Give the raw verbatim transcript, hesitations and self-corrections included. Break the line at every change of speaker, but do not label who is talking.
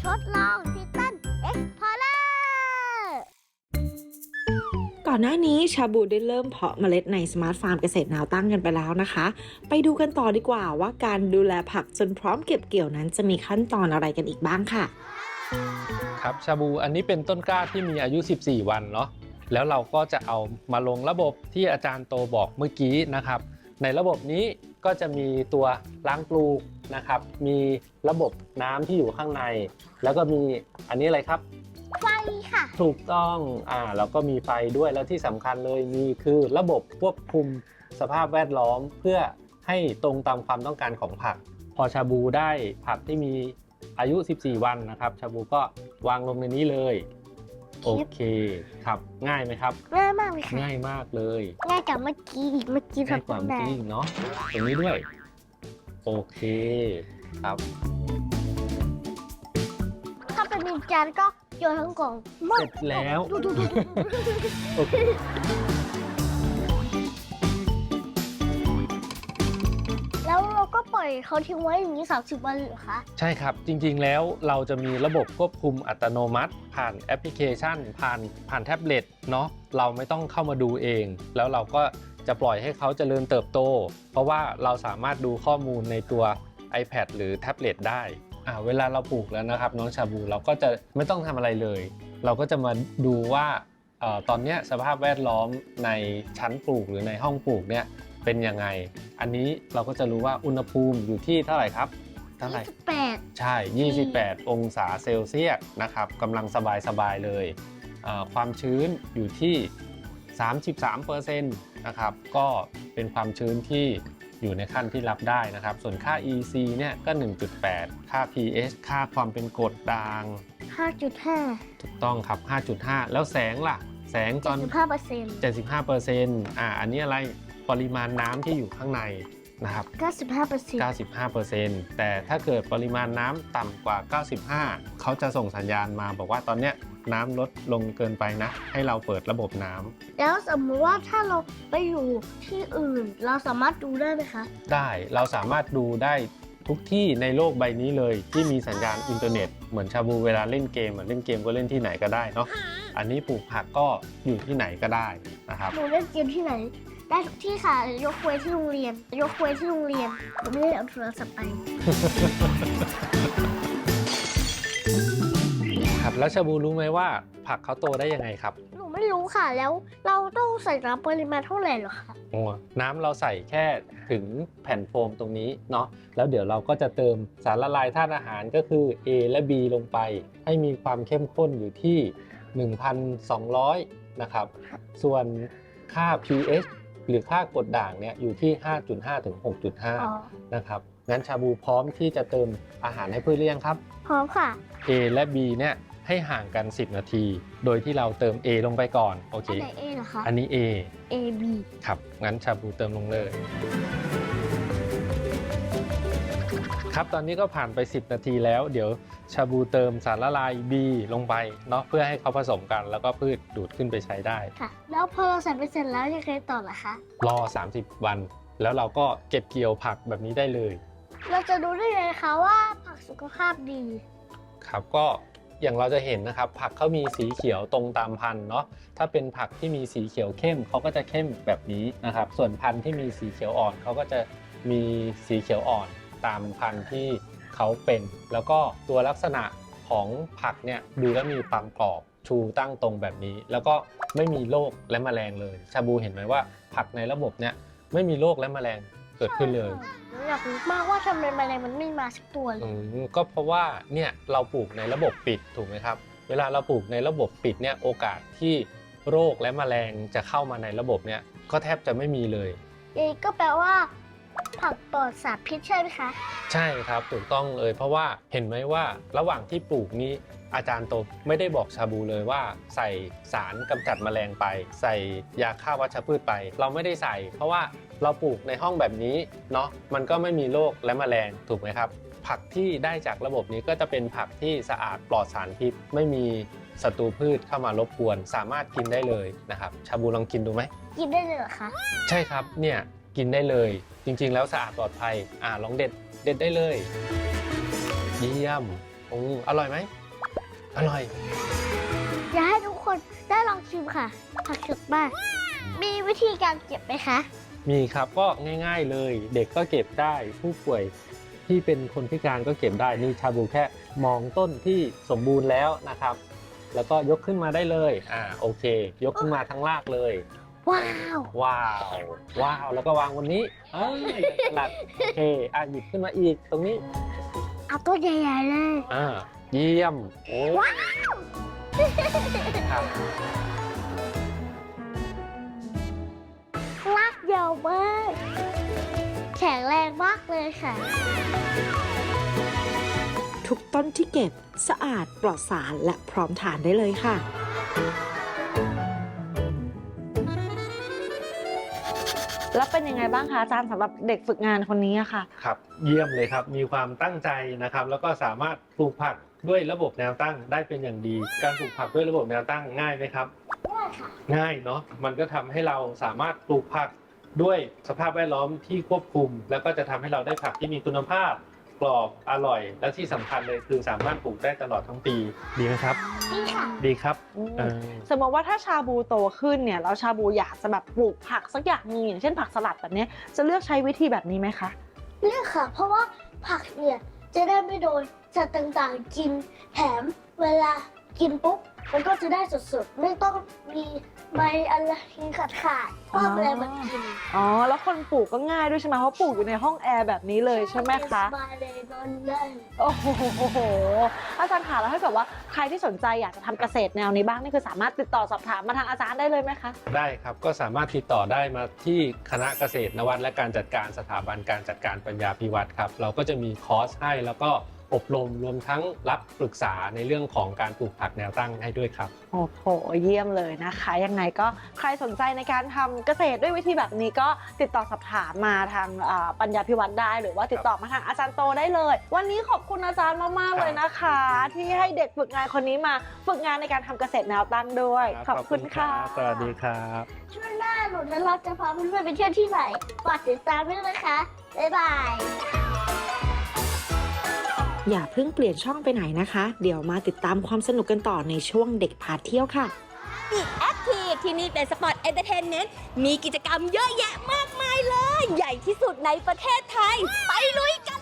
ทดลองทิตันเอ็กพอร์เลอร์
ก่อนหน้านี้ชาบูได้เริ่มเพาะเมล็ดในสมาร์ทฟาร์มเกษตรแนวตั้งกันไปแล้วนะคะ ไปดูกันต่อดีกว่าว่าการดูแลผักจนพร้อมเก็บเกี่ยวนั้นจะมีขั้นตอนอะไรกันอีกบ้างค่ะ
ครับชาบูอันนี้เป็นต้นกล้าที่มีอายุสิบสี่วันเนาะแล้วเราก็จะเอามาลงระบบที่อาจารย์โตบอกเมื่อกี้นะครับในระบบนี้ก็จะมีตัวล้างปลูกนะครับมีระบบน้ำที่อยู่ข้างในแล้วก็มีอันนี้อะไรครับ
ไฟค่ะ
ถูกต้องอ่าแล้วก็มีไฟด้วยแล้วที่สำคัญเลยมีคือระบบควบคุมสภาพแวดล้อมเพื่อให้ตรงตามความต้องการของผักพอชาบูได้ผักที่มีอายุสิบสี่วันนะครับชาบูก็วางลงในนี้เลยโอเคครับง่ายไหมครับ
ง่ายมากเลยค่ะ
ง่ายมากเลย
ง่ายกว่าเมื่อกี้อีกเมื่อกี้
ง่ายกว่าเมื่อกี้เนาะตรงนี้ด้วยโอเคครับ
ถ้าเป็นนินจาก็โยนทั้งกล่อง
เสร็จแล้วโอเค
แล้วเราก็ปล่อยเขาทิ้งไว้อย่างนี้สามสิบวันเหรอคะ
ใช่ครับจริงๆแล้วเราจะมีระบบควบคุมอัตโนมัติผ่านแอปพลิเคชันผ่านผ่านแท็บเล็ตเนาะเราไม่ต้องเข้ามาดูเองแล้วเราก็จะปล่อยให้เขาเจริญเติบโตเพราะว่าเราสามารถดูข้อมูลในตัว iPad หรือแท็บเล็ตได้อ่าเวลาเราปลูกแล้วนะครับน้องชาบูเราก็จะไม่ต้องทำอะไรเลยเราก็จะมาดูว่าเอ่อตอนนี้สภาพแวดล้อมในชั้นปลูกหรือในห้องปลูกเนี่ยเป็นยังไงอันนี้เราก็จะรู้ว่าอุณหภูมิอยู่ที่เท่าไหร่ครับเท่าไหร่
ยี่สิบแปด
ใช่ยี่สิบแปดองศาเซลเซียสนะครับกำลังสบายๆเลยความชื้นอยู่ที่ สามสิบสามเปอร์เซ็นต์ นะครับก็เป็นความชื้นที่อยู่ในขั้นที่รับได้นะครับส่วนค่า อี ซี เนี่ยก็ หนึ่งจุดแปด ค่า พี เอช ค่าความเป็นกรดด่าง
ห้าจุดห้า
ถูกต้องครับ ห้าจุดห้า แล้วแสงล่ะแสงตอน
เจ็ดสิบห้าเปอร์เซ็นต์
เจ็ดสิบห้าเปอร์เซ็นต์ อ่าอันนี้อะไรปริมาณน้ำที่อยู่ข้างในนะครับ
เก้าสิบห้าเปอร์เซ็นต์
เก้าสิบห้าเปอร์เซ็นต์ แต่ถ้าเกิดปริมาณน้ำต่ำกว่าเก้าสิบห้าเขาจะส่งสัญญาณมาบอกว่าตอนเนี้ยน้ำลดลงเกินไปนะให้เราเปิดระบบน้ำ
แล้วสมมติว่าถ้าเราไปอยู่ที่อื่นเราสามารถดูได้ไหมคะ
ได้เราสามารถดูได้ทุกที่ในโลกใบนี้เลยที่มีสัญญาณอินเทอร์เน็ตเหมือนชาบูเวลาเล่นเกมเล่นเกมก็เล่นที่ไหนก็ได้เนาะอันนี้ปลูกผักก็อยู่ที่ไหนก็ได้นะครับ
หนูเล่นเกมที่ไหนได้ทุกที่ค่ะยกเว้นที่โรงเรียนยกเว้นที่โรงเรียนหนูไม่ได้เอาโทรศัพท์ไป
ครับแล้วชาบูรู้ไหมว่าผักเขาโตได้ยังไงครับ
หนูไม่รู้ค่ะแล้วเราต้องใส่น้ำปริมาณเท่าไหร่หรอคะ
โอ้น้ำเราใส่แค่ถึงแผ่นโฟมตรงนี้เนาะแล้วเดี๋ยวเราก็จะเติมสารละลายธาตุอาหารก็คือ A และ B ลงไปให้มีความเข้มข้นอยู่ที่ หนึ่งพันสองร้อย นะครับส่วนค่า พี เอช หรือค่ากรดด่างเนี่ยอยู่ที่ ห้าจุดห้า ถึง หกจุดห้า นะครับงั้นชาบูพร้อมที่จะเติมอาหารให้พืชหรือยังครับ
พร้อมค่ะ
A และ B เนี่ยให้ห่างกันสิบนาทีโดยที่เราเติม A ลงไปก่อนโอเค
อันไหน A เหรอคะ
อันนี้ A
A B
ครับงั้นชาบูเติมลงเลยครับตอนนี้ก็ผ่านไปสิบนาทีแล้วเดี๋ยวชาบูเติมสารละลาย B ลงไปเนาะเพื่อให้เขาผสมกันแล้วก็พืชดูดขึ้นไปใช้ได้
ค่ะแล้วพอเราใส่ไปเสร็จแล้วยังไงต่อล่ะคะ
รอสามสิบวันแล้วเราก็เก็บเกี่ยวผักแบบนี้ได้เลย
เราจะดูได้ไงคะว่าผักสุขภาพดี
ครับก็อย่างเราจะเห็นนะครับผักเขามีสีเขียวตรงตามพันธุ์เนาะถ้าเป็นผักที่มีสีเขียวเข้มเขาก็จะเข้มแบบนี้นะครับส่วนพันธุ์ที่มีสีเขียวอ่อนเขาก็จะมีสีเขียวอ่อนตามพันธุ์ที่เขาเป็นแล้วก็ตัวลักษณะของผักเนี่ยดูแล้วมีความกรอบชูตั้งตรงแบบนี้แล้วก็ไม่มีโรคและแมลงเลยชาบูเห็นไหมว่าผักในระบบเนี่ยไม่มีโรคและแมลงเกิดขึ้นเลย
อยากรู้มากว่าทำไมแมลงมันไม่มาสักตัวเลย
ก็เพราะว่าเนี่ยเราปลูกในระบบปิดถูกไหมครับเวลาเราปลูกในระบบปิดเนี่ยโอกาสที่โรคและแมลงจะเข้ามาในระบบเนี่ยก็แทบจะไม่มีเลย
เองก็แปลว่าผักปลอดสารพิษใช่ไหมคะ
ใช่ครับถูกต้องเลยเพราะว่าเห็นไหมว่าระหว่างที่ปลูกนี้อาจารย์โตไม่ได้บอกชาบูเลยว่าใส่สารกำจัดแมลงไปใส่ยาฆ่าวัชพืชไปเราไม่ได้ใส่เพราะว่าเราปลูกในห้องแบบนี้เนาะมันก็ไม่มีโรคและแมลงถูกไหมครับผักที่ได้จากระบบนี้ก็จะเป็นผักที่สะอาดปลอดสารพิษไม่มีศัตรูพืชเข้ามารบกวนสามารถกินได้เลยนะครับชาบูลองกินดูไหม
กินได้เลยเหรอคะ
ใช่ครับเนี่ยกินได้เลยจริงๆแล้วสะอาดปลอดภัยอ่าลองเด็ดเด็ดได้เลยเยี่ยมโอ้อร่อยไหมอร่อย
อยากให้ทุกคนได้ลองชิมค่ะ ผักสดมากมีวิธีการเก็บไหมคะ
มีครับก็ง่ายๆเลย เด็กก็เก็บได้ผู้ป่วยที่เป็นคนพิการก็เก็บได้นี่ชาบูแค่มองต้นที่สมบูรณ์แล้วนะครับ แล้วก็ยกขึ้นมาได้เลยอ่าโอเค ยกขึ้นมาทั้งรากเลย
ว้าว
ว้าวว้าวแล้วก็วางบนนี้เอ้ยถนัดโอเคอ่ะหยิบขึ้นมาอีกตรงนี้
เอาต้นใหญ่ๆเลย
อ่าเยี่ยมโอ้ครับ
รากยาวมากแข็งแรงมากเลยค่ะ
ทุกต้นที่เก็บสะอาดปลอดสารและพร้อมทานได้เลยค่ะ แล้วเป็นยังไงบ้างคะอาจารย์สำหรับเด็กฝึกงานคนนี้อะค่ะ
ครับเยี่ยมเลยครับมีความตั้งใจนะครับ แล้วก็สามารถปลูกผักด้วยระบบแนวตั้งได้เป็นอย่างดี การปลูกผักด้วยระบบแนวตั้งง่ายไหมครับ
ง่ายค่ะ
ง่ายเนาะมันก็ทำให้เราสามารถปลูกผักด้วยสภาพแวดล้อมที่ควบคุม แล้วก็จะทำให้เราได้ผักที่มีคุณภาพกรอบอร่อย และที่สำคัญเลยคือสามารถปลูกได้ตลอดทั้งปีดีไหมครับ
นี่ค่ะ
ดีครับ
อืม
เออ
สมมติว่าถ้าชาบูโตขึ้นเนี่ยแล้วชาบูอยากจะแบบปลูกผักสักอย่างหนึงอย่างเช่นผักสลัดแบบเนี้ยจะเลือกใช้วิธีแบบนี้ไหมคะ
เลือกค่ะ เพราะว่าผักเนี่ยจะได้ไม่โดนสัตว์ต่างๆกิน แถมเวลากินปุ๊บมันก็จะได้สดๆ ไม่ต้องมีใบอะไรขาดขาดๆเพราะอะไรมันกิน
อ๋อแล้วคนปลูกก็ง่ายด้วยใช่ไหมเพราะปลูกอยู่ในห้องแอร์แบบนี้เลยใช่ไหมคะ
สบายเลยนอนได้
โอ้โหอาจารย์ค่ะแล้วถ้าเกิดว่าใครที่สนใจอยากจะทำเกษตรแนวนี้บ้างนี่คือสามารถติดต่อสอบถามมาทางอาจารย์ได้เลยไหมคะ
ได้ครับก็สามารถติดต่อได้มาที่คณะเกษตรนวัตและการจัดการสถาบันการจัดการปัญญาภิวัตรครับเราก็จะมีคอร์สให้แล้วก็อบรมรวมทั้งรับปรึกษาในเรื่องของการปลูกผักแนวตั้งให้ด้วยครับ
โอ้โหเยี่ยมเลยนะคะยังไงก็ใครสนใจในการทำเกษตรด้วยวิธีแบบนี้ก็ติดต่อสอบถามมาทางอ่าปัญญาภิวัตรได้หรือว่าติดต่อมาทางอาจารย์โตได้เลย วันนี้ขอบคุณอาจารย์มากๆเลยนะคะ ที่ให้เด็กฝึกงานคนนี้มาฝึกงานในการทำเกษตรแนวตั้งด้วยขอบคุณค่ะ
สวัสดีครับ
ช่วงหน้าหนูและเราจะพาเพื่อนๆไปเที่ยวที่ไหนฝากติดตามด้วยนะคะ บ๊ายบาย
อย่าเพิ่งเปลี่ยนช่องไปไหนนะคะ เดี๋ยวมาติดตามความสนุกกันต่อในช่วงเด็กพาเที่ยวค่ะ
อีกแอคทีฟที่นี่เป็นสปอร์ตเอนเตอร์เทนเมนต์มีกิจกรรมเยอะแยะมากมายเลย ใหญ่ที่สุดในประเทศไทย ไปลุยกัน